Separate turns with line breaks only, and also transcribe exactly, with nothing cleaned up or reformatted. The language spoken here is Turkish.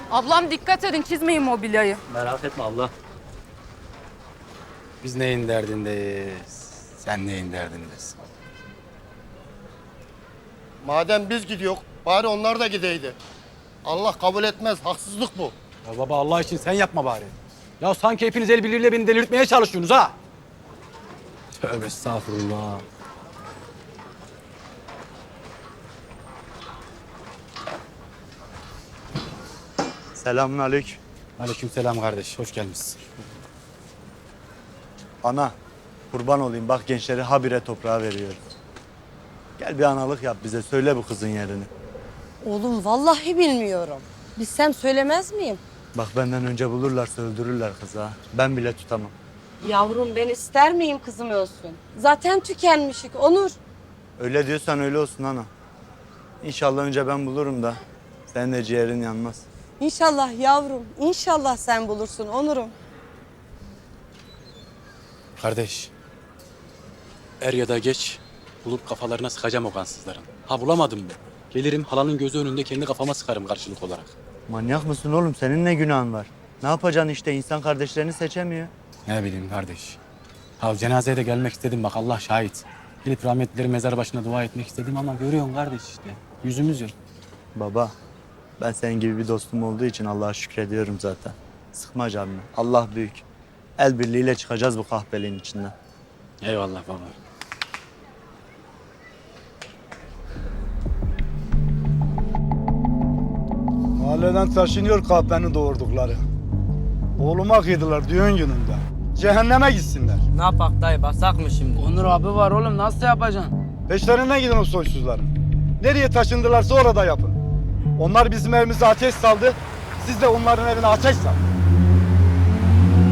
Ablam dikkat edin, çizmeyin mobilyayı.
Merak etme abla.
Biz neyin derdindeyiz? Sen neyin derdindesin?
Madem biz gidiyor, bari onlar da gideydi. Allah kabul etmez, haksızlık bu.
Ya baba Allah için sen yapma bari. Ya sanki hepiniz el birliğiyle beni delirtmeye çalışıyorsunuz ha. Tövbe estağfurullah.
Selamünaleyküm.
Aleykümselam kardeş, hoş gelmişsin.
Ana, kurban olayım bak gençleri habire toprağa veriyoruz. Gel bir analık yap bize, söyle bu kızın yerini.
Oğlum vallahi bilmiyorum. Bilsem söylemez miyim?
Bak benden önce bulurlarsa öldürürler kızı ha. Ben bile tutamam.
Yavrum ben ister miyim kızım ölsün? Zaten tükenmişik Onur.
Öyle diyorsan öyle olsun ana. İnşallah önce ben bulurum da senin de ciğerin yanmaz.
İnşallah yavrum, inşallah sen bulursun Onur'um.
Kardeş, er ya da geç bulup kafalarına sıkacağım o kansızların. Ha bulamadım mı? Gelirim halanın gözü önünde kendi kafama sıkarım karşılık olarak.
Manyak mısın oğlum? Senin ne günahın var? Ne yapacaksın işte? İnsan kardeşlerini seçemiyor.
Ne bileyim kardeş. Ha cenazeye de gelmek istedim bak Allah şahit. Gelip rahmetlileri mezar başına dua etmek istedim ama görüyorsun kardeş işte. Yüzümüz yok.
Baba, ben senin gibi bir dostum olduğu için Allah'a şükrediyorum zaten. Sıkma canını. Allah büyük. El birliğiyle çıkacağız bu kahpeliğin içinden.
Eyvallah baba.
Mahalleden taşınıyor kahpenin doğurdukları. Oğluma kıydılar düğün gününde. Cehenneme gitsinler.
Ne yapak dayı basak mı şimdi? Onur abi var oğlum nasıl yapacaksın?
Peşlerine gidin o soysuzların. Nereye taşındılarsa orada yapın. Onlar bizim evimize ateş saldı. Siz de onların evine ateş salın.